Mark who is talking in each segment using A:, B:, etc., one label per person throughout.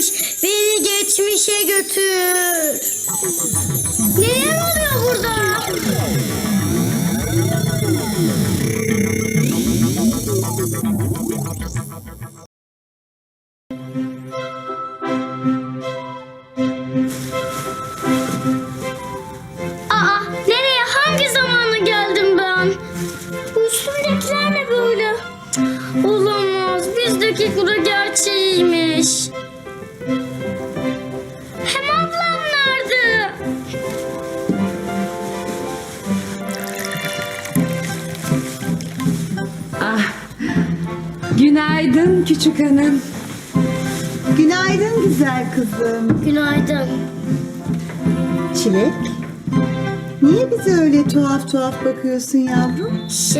A: yanlış. Beni geçmişe götür. Neler oluyor burada? Aa, nereye, hangi zamana geldim ben? Üstümdekiler ne böyle? Cık, olamaz, bizdeki kuru gerçeğiymiş. Hem ablam nerede?
B: Günaydın küçük hanım.
C: Günaydın güzel kızım.
A: Günaydın.
C: Çilek, niye bize öyle tuhaf tuhaf bakıyorsun yavrum?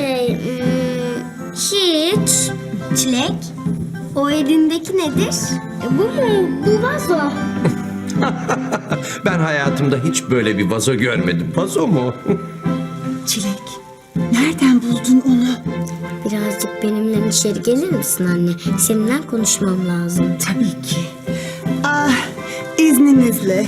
A: Hiç. Çilek, o elindeki nedir? Bu mu? Bu vazo.
D: Ben hayatımda hiç böyle bir vazo görmedim. Vazo mu?
C: Çilek, nereden buldun onu?
A: Birazcık benimle içeri gelir misin anne? Seninle konuşmam lazım.
C: Tabii ki. Ah, izninizle.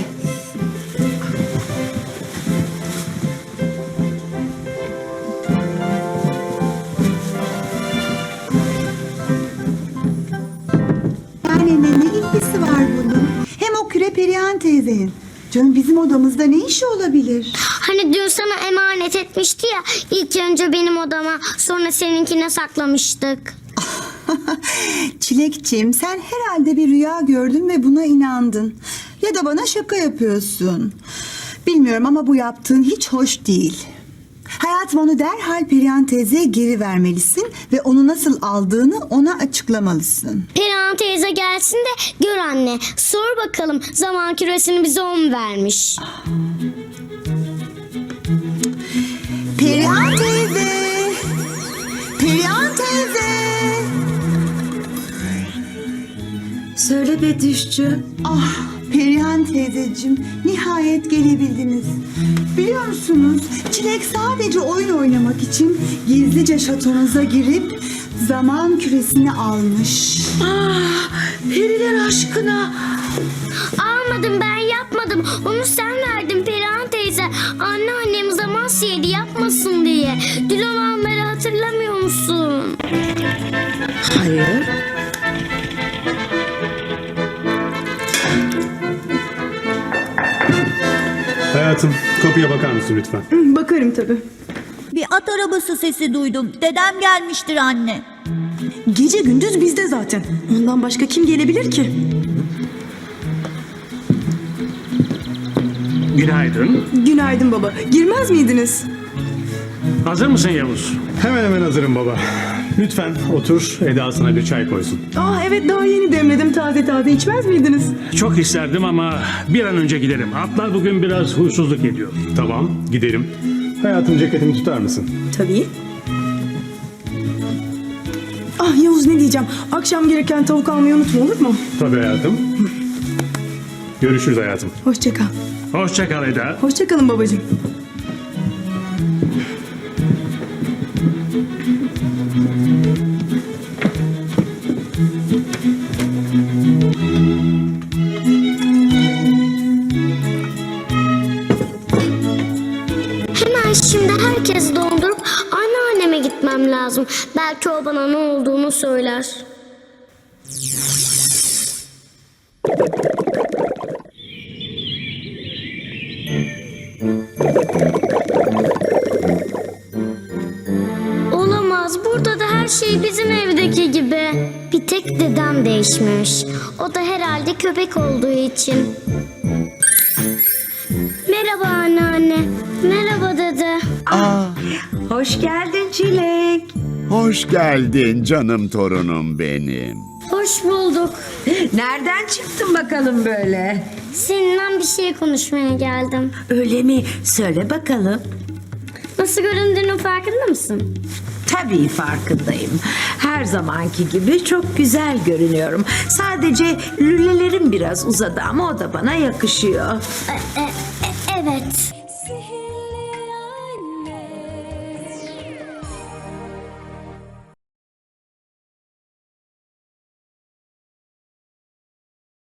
C: Yani ne ilgisi var bunun? Hem o küre Perihan teyzenin. Canım bizim odamızda ne işi olabilir?
A: Hani dün sana emanet etmişti ya. İlk önce benim odama, sonra seninkine saklamıştık.
C: Çilekçim, sen herhalde bir rüya gördün ve buna inandın. Ya da bana şaka yapıyorsun. Bilmiyorum ama bu yaptığın hiç hoş değil. Hayatım, onu derhal Perihan teyzeye geri vermelisin ve onu nasıl aldığını ona açıklamalısın.
A: Perihan teyze gelsin de gör anne. Sor bakalım, zaman küresini bize o mu vermiş?
C: Perihan teyze! Perihan teyze!
B: Söyle Betüş'cüğüm.
C: Ah Perihan teyzeciğim, nihayet gelebildiniz. Biliyor musunuz, Çilek sadece oyun oynamak için gizlice şatonuza girip zaman küresini almış.
B: Periler aşkına.
A: Almadım, ben yapmadım. Onu sen verdin Perihan teyze. Anneannem zaman sihiri yapmasın diye. Dün olanları hatırlamıyor musun?
B: Hayır.
E: Hayatım, kapıya bakar mısın lütfen?
F: Bakarım tabii.
G: Bir at arabası sesi duydum. Dedem gelmiştir anne.
F: Gece gündüz bizde zaten. Ondan başka kim gelebilir ki?
H: Günaydın.
F: Günaydın baba. Girmez miydiniz?
H: Hazır mısın Yavuz?
E: Hemen hemen hazırım baba. Lütfen otur, Eda sana bir çay koysun.
F: Evet, daha yeni demledim, taze taze, içmez miydiniz?
H: Çok isterdim ama bir an önce gidelim. Atlar bugün biraz huysuzluk ediyor.
E: Tamam, gidelim. Hayatım, ceketimi tutar mısın?
F: Tabii. Yavuz, ne diyeceğim? Akşam gereken tavuk almayı unutma, olur mu?
E: Tabii hayatım. Görüşürüz hayatım.
F: Hoşça kal.
H: Hoşça kal Eda.
F: Hoşça kalın babacığım.
A: Hemen şimdi herkesi dondurup anneanneme gitmem lazım. Belki o bana ne olduğunu söyler. Olamaz. Burada da her şey bizim evdeki gibi. Bir tek dedem değişmemiş. O da herhalde köpek olduğu için. Merhaba anneanne. Merhaba dede.
B: Hoş geldin Çilek.
I: Hoş geldin canım torunum benim.
A: Hoş bulduk.
B: Nereden çıktın bakalım böyle?
A: Seninle bir şey konuşmaya geldim.
B: Öyle mi? Söyle bakalım.
A: Nasıl göründüğünün farkında mısın?
B: Tabii farkındayım. Her zamanki gibi çok güzel görünüyorum. Sadece lülelerim biraz uzadı ama o da bana yakışıyor.